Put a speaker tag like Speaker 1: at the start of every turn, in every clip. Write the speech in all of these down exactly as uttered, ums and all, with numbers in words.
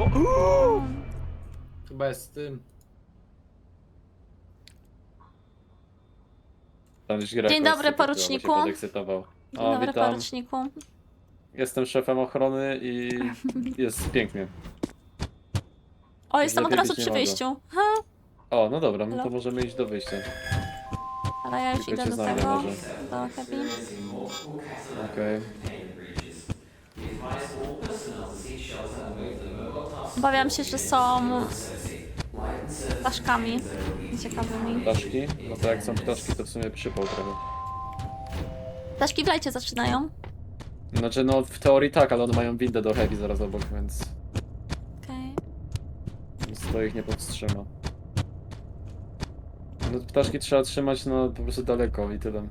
Speaker 1: O! Chyba jest z tym.
Speaker 2: Tam gdzieś gra
Speaker 3: Dzień
Speaker 2: jakaś
Speaker 3: dobry,
Speaker 2: super była, bo
Speaker 3: poruczniku.
Speaker 2: się podekscytował.
Speaker 3: Dzień
Speaker 2: O,
Speaker 3: dobry,
Speaker 2: witam.
Speaker 3: poruczniku.
Speaker 2: Jestem szefem ochrony i jest pięknie.
Speaker 3: O, jestem od
Speaker 2: lepiej
Speaker 3: razu
Speaker 2: być nie
Speaker 3: przy
Speaker 2: mogło.
Speaker 3: wyjściu. Ha,
Speaker 2: O, no dobra, no to
Speaker 3: Halo?
Speaker 2: możemy iść do wyjścia.
Speaker 3: ale ja już
Speaker 2: Tylko
Speaker 3: idę
Speaker 2: cię
Speaker 3: do
Speaker 2: znajdę
Speaker 3: tego.
Speaker 2: może.
Speaker 3: Do Happy.
Speaker 2: Okej.
Speaker 3: Obawiam się, że są ptaszkami ciekawymi.
Speaker 2: Ptaszki? No to jak są ptaszki, to w sumie przypał trochę.
Speaker 3: Ptaszki w lajcie zaczynają.
Speaker 2: Znaczy, no w teorii tak, ale one mają windę do heavy zaraz obok, więc...
Speaker 3: Okej.
Speaker 2: więc to ich nie powstrzyma. No ptaszki trzeba trzymać no po prostu daleko i tyle.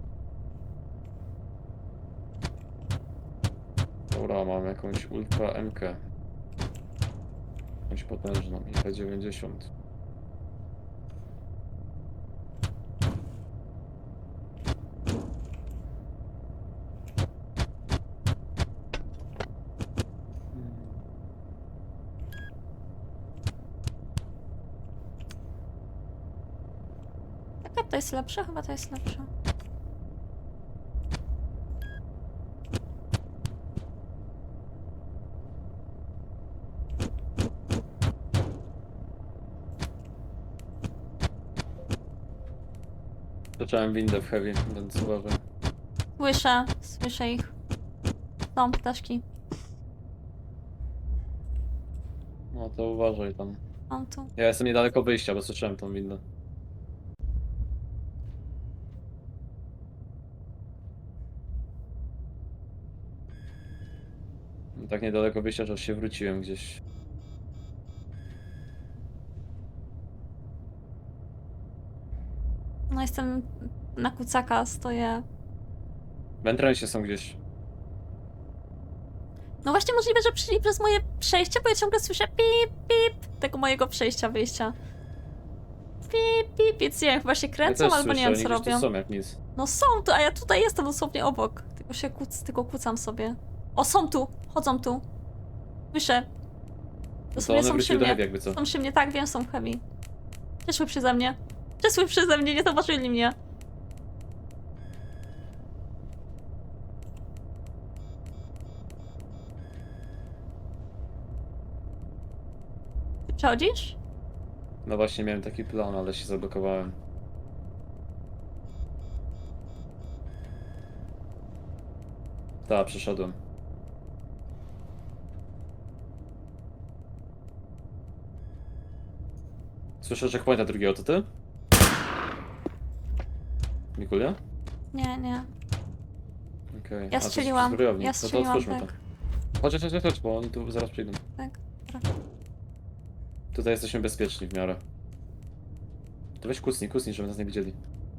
Speaker 2: Dobra, mam jakąś Ultra M K. Jakąś potężną i P dziewięćdziesiąt.
Speaker 3: Jaka to jest lepsza? Chyba to jest lepsza.
Speaker 2: Zacząłem windę w heavy, więc uważam.
Speaker 3: Słyszę, słyszę ich. Są ptaszki.
Speaker 2: No to uważaj tam.
Speaker 3: Są tu.
Speaker 2: Ja jestem niedaleko wyjścia, bo słyszałem tą windę. Tak niedaleko wyjścia, że aż się wróciłem gdzieś.
Speaker 3: No jestem na kucaka, stoję.
Speaker 2: W entrensie są gdzieś.
Speaker 3: No właśnie możliwe, że przyszli przez moje przejście, bo ja ciągle słyszę pip, pip tego mojego przejścia, wyjścia. Pip, pip, więc nie wiem, chyba się
Speaker 2: Ja
Speaker 3: kręcą
Speaker 2: też
Speaker 3: albo
Speaker 2: słyszę,
Speaker 3: nie wiem
Speaker 2: oni
Speaker 3: co
Speaker 2: gdzieś tu
Speaker 3: robią.
Speaker 2: są jak nic.
Speaker 3: No są tu, a ja tutaj jestem dosłownie obok. Tylko się kuc, tylko kucam sobie. O, są tu, chodzą tu. Słyszę.
Speaker 2: No to
Speaker 3: Dosłownie
Speaker 2: one
Speaker 3: są przy
Speaker 2: wróciły do
Speaker 3: mnie.
Speaker 2: heavy jakby co.
Speaker 3: Są przy mnie, tak wiem, są w heavy. Przeszły przeze mnie. Przeszły przeze mnie, nie zobaczyli mnie. Ty przechodzisz?
Speaker 2: No właśnie miałem taki plan, ale się zablokowałem. Tak, przeszedłem. Słyszę checkpointa drugiego, to ty? Mikulia?
Speaker 3: Nie, nie.
Speaker 2: Okej.
Speaker 3: Ja
Speaker 2: A, to
Speaker 3: strzeliłam,
Speaker 2: zbrojownik.
Speaker 3: ja
Speaker 2: No to
Speaker 3: strzeliłam,
Speaker 2: otwórzmy
Speaker 3: tak.
Speaker 2: to. Chodź, chodź, chodź, chodź, bo oni tu zaraz przyjdą.
Speaker 3: Tak.
Speaker 2: Tutaj jesteśmy bezpieczni w miarę. To weź kucnij, kucnij, żeby nas nie widzieli.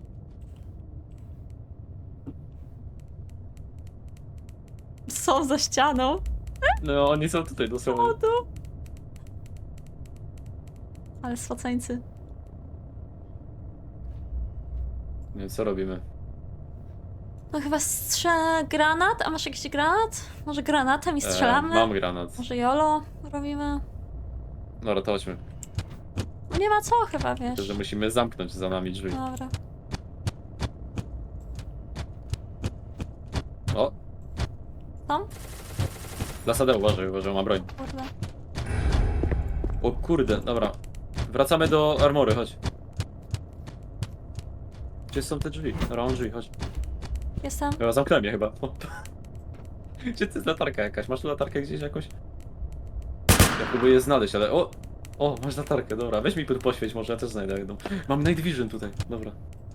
Speaker 3: Są za ścianą.
Speaker 2: No, oni są tutaj
Speaker 3: O,
Speaker 2: dosłownie.
Speaker 3: tu. Ale swacańcy.
Speaker 2: Nie wiem, co robimy.
Speaker 3: No chyba strzelę granat, a masz jakiś granat? Może granatem i strzelamy?
Speaker 2: E, mam granat.
Speaker 3: Może jolo robimy?
Speaker 2: Dobra, to chodźmy.
Speaker 3: No nie ma co chyba, wiesz.
Speaker 2: Że musimy zamknąć za nami drzwi.
Speaker 3: Dobra.
Speaker 2: O,
Speaker 3: Tam?
Speaker 2: Lasadeł, uważaj, uważaj, ma broń.
Speaker 3: Kurde.
Speaker 2: O kurde, dobra. Wracamy do armory, chodź. Gdzie są te drzwi? Dobra, mam drzwi, chodź.
Speaker 3: Jestem.
Speaker 2: Chyba zamknąłem je chyba. O. Gdzie to jest latarka jakaś? Masz tu latarkę gdzieś jakąś? Ja próbuję je znaleźć, ale o! O, masz latarkę, dobra. Weź mi tu poświeć, może ja też znajdę jedną. Mam Night Vision tutaj, dobra.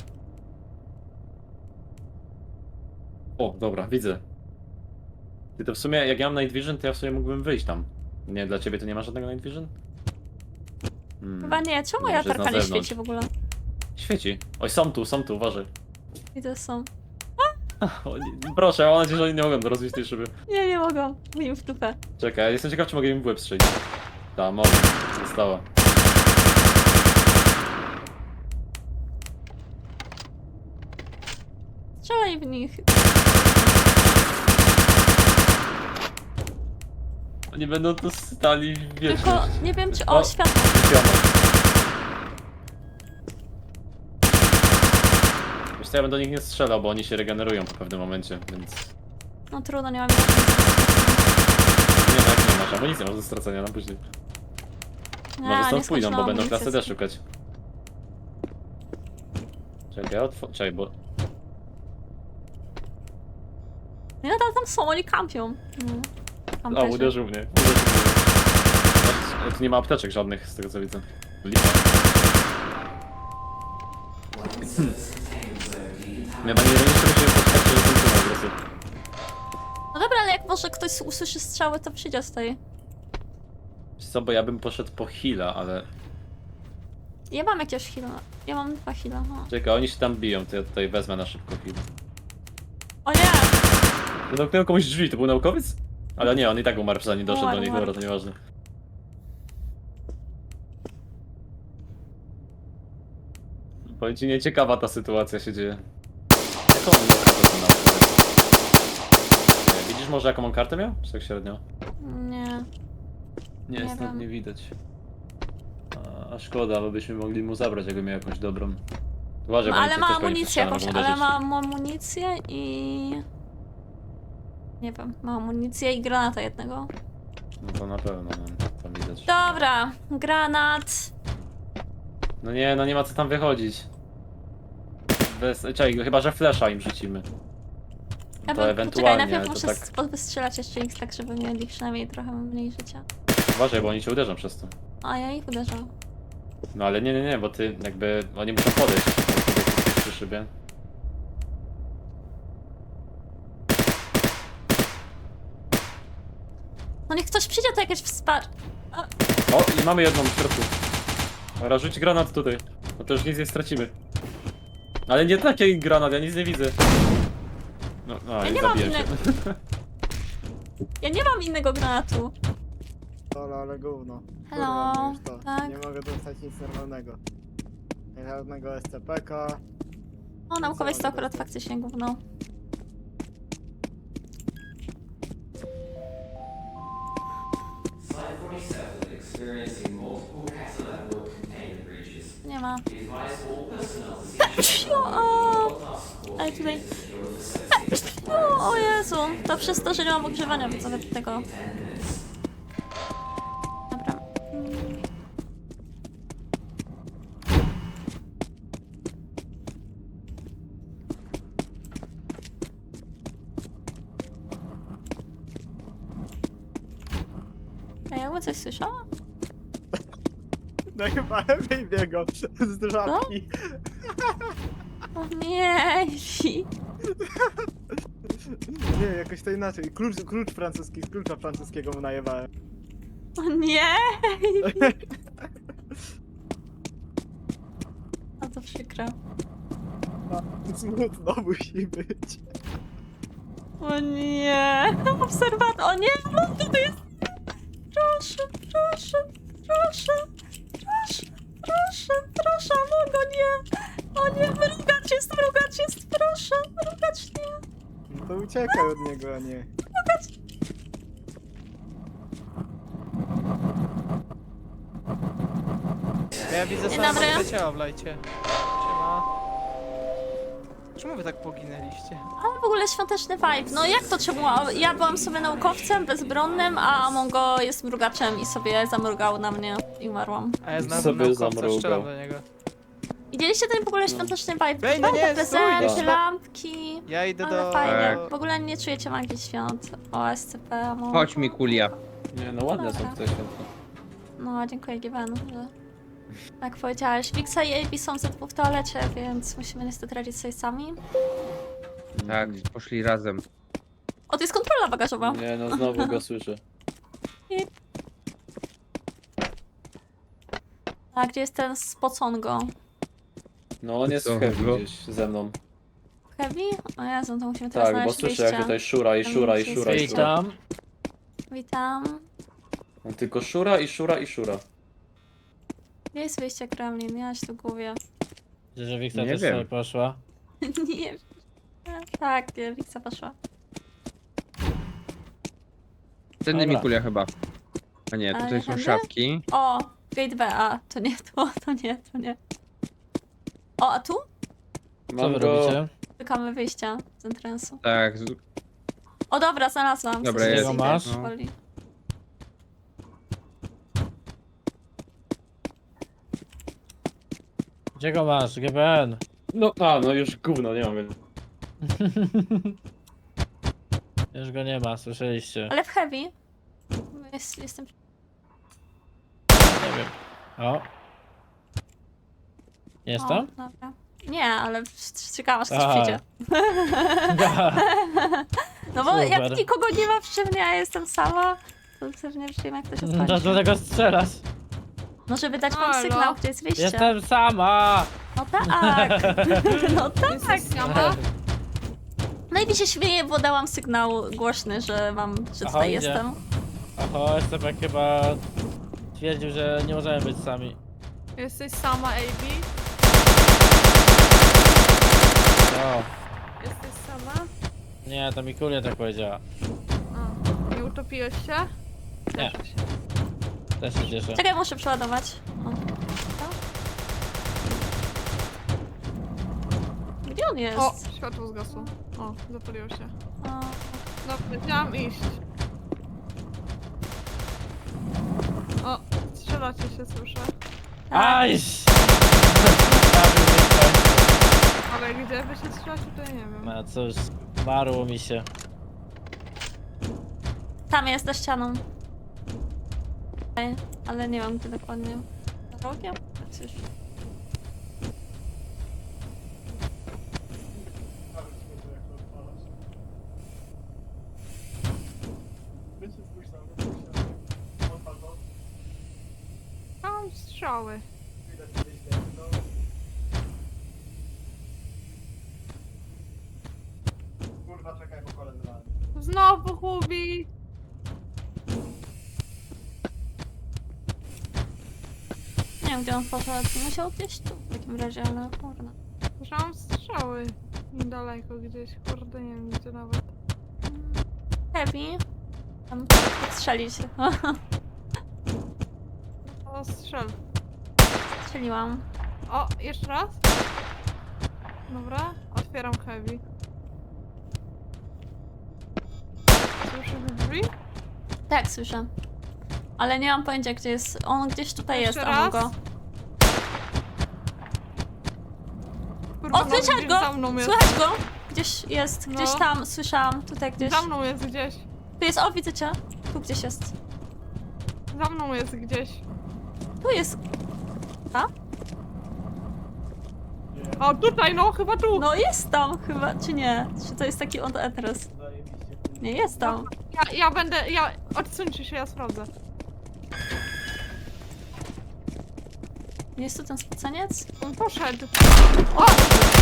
Speaker 2: O, dobra, widzę. Ty to w sumie, jak ja mam Night Vision, to ja w sumie mógłbym wyjść tam. Nie, dla ciebie to nie ma żadnego Night Vision? Hmm.
Speaker 3: Chyba nie. Czemu
Speaker 2: No,
Speaker 3: moja
Speaker 2: może jest
Speaker 3: latarka
Speaker 2: na
Speaker 3: nie
Speaker 2: zewnątrz.
Speaker 3: świeci w ogóle?
Speaker 2: Świeci. Oj, są tu, są tu, uważaj.
Speaker 3: Widzę, są.
Speaker 2: O, nie, proszę, mam nadzieję, że oni nie mogą rozbić tej szyby.
Speaker 3: Nie, nie mogą. Mówię w dupę.
Speaker 2: Czekaj, ja jestem ciekaw, czy mogę im w łeb strzelić. Ta, mogę. Została.
Speaker 3: Strzelaj w nich.
Speaker 2: Oni będą tu stali wiecznie.
Speaker 3: Tylko nie wiem czy... O,
Speaker 2: O.
Speaker 3: światło.
Speaker 2: Wiesz co, ja bym do nich nie strzelał, bo oni się regenerują po pewnym momencie, więc...
Speaker 3: No trudno, nie mam...
Speaker 2: Nie, no jak nie masz amunicji, masz do stracenia na później.
Speaker 3: Nie,
Speaker 2: Może
Speaker 3: nie
Speaker 2: stąd pójdą, bo
Speaker 3: skończyłam
Speaker 2: będą
Speaker 3: amunicji.
Speaker 2: klasy D szukać. Czekaj, ja otw... Czekaj, bo...
Speaker 3: Nie, nadal tam są, oni kampią. Mm.
Speaker 2: O,
Speaker 3: Kamperzy.
Speaker 2: uderzył mnie. Uderzył mnie. Tu nie ma apteczek żadnych, z tego co widzę. Lipa. Nie, na ironicznie musimy spotkać, że ten tu agresy.
Speaker 3: No dobra, ale jak może ktoś usłyszy strzały, to przyjdzie z tej.
Speaker 2: Wiesz co, bo ja bym poszedł po heala, ale...
Speaker 3: Ja mam jakiegoś heala. Ja mam dwa heala. No.
Speaker 2: Czekaj, oni się tam biją, to ja tutaj wezmę na szybko heal.
Speaker 3: O nie!
Speaker 2: Zamknąłem komuś drzwi, to był naukowiec? Ale nie, on i tak umarł, zanim doszedł
Speaker 3: Umarł,
Speaker 2: do nich,
Speaker 3: umarł.
Speaker 2: dobra, to nieważne. Powiem ci, nieciekawa ta sytuacja się dzieje. Jaką on miał kartę ten naukowiec? Nie, widzisz może jaką on kartę miał? Czy tak średnio?
Speaker 3: Nie.
Speaker 2: Nie,
Speaker 3: Nie
Speaker 2: stąd
Speaker 3: wiem.
Speaker 2: nie widać. A, a szkoda, bo byśmy mogli mu zabrać, jakby miał jakąś dobrą. Uważaj,
Speaker 3: No,
Speaker 2: bo
Speaker 3: ale
Speaker 2: oni
Speaker 3: ma
Speaker 2: też pewnie
Speaker 3: amunicję
Speaker 2: przestrzelą,
Speaker 3: jakąś,
Speaker 2: mogą
Speaker 3: ale
Speaker 2: uderzyć.
Speaker 3: ma amunicję i... Nie wiem, ma amunicję i granata jednego.
Speaker 2: No to na pewno, no, tam widać.
Speaker 3: Dobra, granat.
Speaker 2: No nie, no nie ma co tam wychodzić. Bez... Czekaj, chyba że flesza im rzucimy.
Speaker 3: Ja
Speaker 2: To
Speaker 3: bym,
Speaker 2: ewentualnie,
Speaker 3: poczekaj, najpierw
Speaker 2: ale to
Speaker 3: muszę
Speaker 2: tak...
Speaker 3: tak... wystrzelać jeszcze ich tak, żeby mieli przynajmniej trochę mniej życia.
Speaker 2: Uważaj, bo oni cię uderzą przez to.
Speaker 3: A ja ich uderzam.
Speaker 2: No ale nie, nie, nie, bo ty jakby... Oni muszą podejść przy szybie.
Speaker 3: No niech ktoś przyjdzie, to jakieś wsparcie.
Speaker 2: O, i mamy jedną w środku. Dobra, rzuć granat tutaj. No to już nic nie stracimy. Ale nie taki granat, ja nic nie widzę. No, no
Speaker 3: Ja
Speaker 2: i
Speaker 3: nie mam
Speaker 2: zabiję cię.
Speaker 3: innego. Ja nie mam innego granatu.
Speaker 4: Ale, ale gówno.
Speaker 3: Hello,
Speaker 4: Kurwa, już to.
Speaker 3: tak.
Speaker 4: Nie mogę dostać nic normalnego. Żadnego S C P K.
Speaker 3: O, naukowiec to akurat faktycznie gówno.
Speaker 5: Site forty-seven experiencing multiple Casa network container breaches.
Speaker 3: Nie ma.
Speaker 5: Be advised all personnel to seek
Speaker 3: O, o. Ej, tutaj. O, o Jezu, to przez to, że nie mam ogrzewania widzowie tego. Dobra. Mm. Ej, jakby coś słyszała?
Speaker 4: No chyba lepiej biegał z żabki.
Speaker 3: O nie,
Speaker 4: Nie, jakoś to inaczej. Klucz, klucz francuski, z klucza francuskiego mu najebałem.
Speaker 3: o nie. A to przykre.
Speaker 4: Smutno musi być.
Speaker 3: O nie, obserwator, o nie, no to jest... Proszę, proszę, proszę, proszę, proszę, proszę, no go nie, o nie, mrugacz jest, mrugacz jest, proszę, mrugacz nie.
Speaker 4: No to uciekaj od niego, a nie. Ja widzę
Speaker 3: Dzień dobry.
Speaker 4: ciała w lajcie. Siema. Czemu wy tak poginęliście?
Speaker 3: Ale w ogóle świąteczny vibe, no jak to czemu? Ja byłam sobie naukowcem bezbronnym, a Mongo jest mrugaczem i sobie zamrugał na mnie i umarłam.
Speaker 4: A ja znam
Speaker 2: Sobie
Speaker 4: naukowca,
Speaker 2: zamrugał.
Speaker 4: strzelam do niego.
Speaker 3: Widzieliście ten w ogóle świąteczny vibe?
Speaker 4: Ej, no
Speaker 3: Fajne
Speaker 4: nie,
Speaker 3: prezenty,
Speaker 4: stój!
Speaker 3: lampki.
Speaker 4: Ja idę
Speaker 3: Ale
Speaker 4: do...
Speaker 3: fajnie.
Speaker 4: do-
Speaker 3: W ogóle nie czujecie magii świąt. O S C P, Mongo.
Speaker 6: Chodź mi kulia.
Speaker 2: Nie, no ładne są
Speaker 3: Dobra.
Speaker 2: tutaj światła.
Speaker 3: No, dziękuję Given, że tak powiedziałeś. Wixa i A B są ze dwóch w toalecie, więc musimy niestety radzić sobie sami.
Speaker 6: Tak, poszli razem.
Speaker 3: O, to jest kontrola bagażowa.
Speaker 2: Nie, no znowu go słyszę.
Speaker 3: A gdzie jest ten spocongo?
Speaker 2: No on jest
Speaker 6: Co
Speaker 2: w heavy
Speaker 6: go?
Speaker 2: gdzieś ze mną.
Speaker 3: Heavy? O Jezu, to musimy teraz
Speaker 2: Tak, bo
Speaker 3: znaleźć
Speaker 2: słyszę jak
Speaker 3: wyjście.
Speaker 2: tutaj szura i szura i szura i szura.
Speaker 1: Witam.
Speaker 3: Witam.
Speaker 2: On tylko szura i szura i szura.
Speaker 3: Gdzie jest wyjście Kremlin? Ja się tu gubię.
Speaker 1: Że Wiktor
Speaker 6: Nie
Speaker 1: też
Speaker 6: wiem.
Speaker 1: sobie poszła.
Speaker 3: Nie wiem. Tak, nie, Wixa poszła.
Speaker 6: Tędy
Speaker 1: Dobra.
Speaker 6: mi kulia chyba. A nie,
Speaker 3: A
Speaker 6: tutaj są
Speaker 3: tędy?
Speaker 6: szafki.
Speaker 3: O, gate B, a to nie, to, to nie, to nie. O, a tu?
Speaker 1: Co
Speaker 2: Mam
Speaker 1: wy
Speaker 2: go.
Speaker 1: robicie?
Speaker 3: Szukamy wyjścia z entrance'u.
Speaker 6: Tak, z...
Speaker 3: O dobra, znalazłam.
Speaker 6: Dobra,
Speaker 3: Coś
Speaker 6: jest.
Speaker 3: idę,
Speaker 1: Masz?
Speaker 3: powoli.
Speaker 1: Gdzie go masz? G B N.
Speaker 2: No, a, no już gówno, nie mam.
Speaker 1: Już go nie ma, słyszeliście.
Speaker 3: Ale w heavy. Jest, jestem...
Speaker 1: Nie wiem. O. Jest
Speaker 3: O,
Speaker 1: tam?
Speaker 3: dobra. Nie, ale czekałam aż ktoś
Speaker 1: Aha.
Speaker 3: przyjdzie. No bo jak
Speaker 1: Super.
Speaker 3: nikogo nie ma przy mnie, a jestem sama, to pewnie przyjmę, jak ktoś
Speaker 1: No
Speaker 3: odchodzi.
Speaker 1: do tego strzelasz.
Speaker 3: No żeby dać wam
Speaker 4: Halo?
Speaker 3: sygnał, gdzie jest wyjście.
Speaker 1: Jestem sama!
Speaker 3: No tak. No tak.
Speaker 4: Jesteś sama?
Speaker 3: No i mi się śmieje, bo dałam sygnał głośny, że mam, że
Speaker 1: Aha,
Speaker 3: tutaj
Speaker 1: idzie.
Speaker 3: jestem.
Speaker 1: Oho, Estepek chyba twierdził, że nie możemy być sami.
Speaker 4: Jesteś sama, A B?
Speaker 1: O,
Speaker 4: Jesteś sama?
Speaker 1: nie, to Mikulia tak powiedziała.
Speaker 4: A, nie utopiłeś się?
Speaker 1: Nie.
Speaker 4: Cieszę się.
Speaker 1: Też się cieszę.
Speaker 3: Czekaj, muszę przeładować. O. Gdzie on jest?
Speaker 4: O, światło zgasło. O, zapaliło się.
Speaker 3: O.
Speaker 4: Dobra, chciałam iść. O, strzelacie się, słyszę.
Speaker 3: Tak.
Speaker 1: Ajś!
Speaker 4: Ale gdzie wy się strzelacie, to ja nie wiem.
Speaker 1: No cóż, marło mi się.
Speaker 3: Tam jest, za ścianą. Ej, ale nie wiem, gdzie dokładnie. Za rogiem? Coś.
Speaker 4: Mam strzały. Znowu Hubi!
Speaker 3: Nie wiem, gdzie on poszedł. Musiał gdzieś tu w takim razie, ale kurna.
Speaker 4: Że mam strzały. Niedaleko gdzieś, kurde, nie wiem gdzie nawet.
Speaker 3: Heavy. Tam strzelić.
Speaker 4: O, strzel.
Speaker 3: Strzeliłam.
Speaker 4: O, jeszcze raz? Dobra, otwieram heavy. Słyszysz drzwi?
Speaker 3: Tak, słyszę. Ale nie mam pojęcia, gdzie jest. On gdzieś tutaj
Speaker 4: Jeszcze
Speaker 3: jest, a mam
Speaker 4: raz?
Speaker 3: go.
Speaker 4: Kurwa,
Speaker 3: O,
Speaker 4: no,
Speaker 3: słyszałeś
Speaker 4: gdzieś
Speaker 3: go!
Speaker 4: Za mną jest.
Speaker 3: Słychać go! Gdzieś jest, gdzieś
Speaker 4: No.
Speaker 3: tam, słyszałam. Tutaj gdzieś.
Speaker 4: Za mną jest gdzieś.
Speaker 3: Tu jest, o, widzę cię. Tu gdzieś jest.
Speaker 4: Za mną jest gdzieś.
Speaker 3: Tu jest. A?
Speaker 4: O, tutaj, no, chyba tu.
Speaker 3: No jest tam chyba, czy nie? Czy to jest taki on adres? Nie, jest tam.
Speaker 4: Ja, ja będę, ja... Odsuńcie się, ja sprawdzę.
Speaker 3: Nie jest tu ten spoceniec?
Speaker 4: On poszedł. O!